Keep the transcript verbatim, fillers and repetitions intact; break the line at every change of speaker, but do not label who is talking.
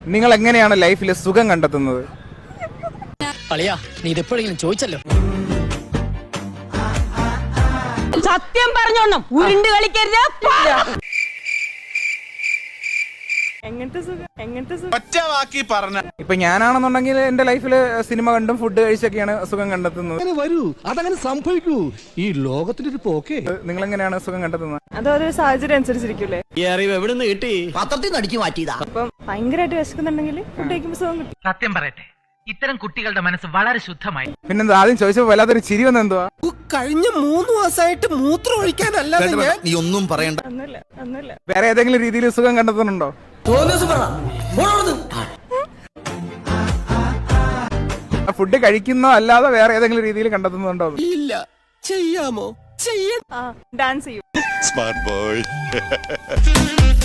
നിങ്ങൾ എങ്ങനെയാണ് ലൈഫിൽ സുഖം കണ്ടെത്തുന്നത്?
അളിയാ നീ ഇതെപ്പോഴെങ്കിലും ചോദിച്ചല്ലോ.
സത്യം പറഞ്ഞോണം, ഉരുണ്ട് കളിക്കരുത്.
ഇപ്പൊ ഞാനാണെന്നുണ്ടെങ്കിൽ എന്റെ ലൈഫിൽ സിനിമ കണ്ടും ഫുഡ് കഴിച്ചൊക്കെയാണ് സുഖം കണ്ടെത്തുന്നത്.
വരൂ, അതങ്ങനെ സംഭവിക്കൂ. ഈ ലോകത്തിന്റെ ഒരു പോക്കേ.
നിങ്ങൾ എങ്ങനെയാണ് സുഖം കണ്ടെത്തുന്നത്?
അതൊരു സാഹചര്യം അനുസരിച്ചിരിക്കൂലേ.
ഈ അറിവ് എവിടെ നിന്ന് കിട്ടി?
പത്രത്തിൽ നിന്ന് അടിച്ചു മാറ്റിയതാ.
അപ്പം ഭയങ്കരമായിട്ട് വിശക്കുന്നുണ്ടെങ്കിൽ ഫുഡ് കഴിക്കുമ്പോൾ സുഖം കിട്ടും.
സത്യം പറയട്ടെ, ഇത്തരം കുട്ടികളുടെ മനസ്സ് വളരെ ശുദ്ധമായി.
പിന്നെന്താ ആദ്യം ചോദിച്ചപ്പോ വല്ലാത്തൊരു ചിരി വന്ന എന്തുവാ?
കഴിഞ്ഞ മൂന്ന് മാസമായിട്ട് മൂത്രം ഒഴിക്കാനല്ല. നീ ഒന്നും പറയണ്ട.
ഒന്നുമില്ല ഒന്നുമില്ല
വേറെ ഏതെങ്കിലും രീതിയിൽ സുഖം കണ്ടെത്തുന്നുണ്ടോ? ഫുഡ് കഴിക്കുന്നോ അല്ലാതെ വേറെ ഏതെങ്കിലും രീതിയിൽ കണ്ടെത്തുന്നുണ്ടോ?
ഇല്ല. ചെയ്യാമോ? ചെയ്യാം.
ആ ഡാൻസ് ചെയ്യും.
Smart boy.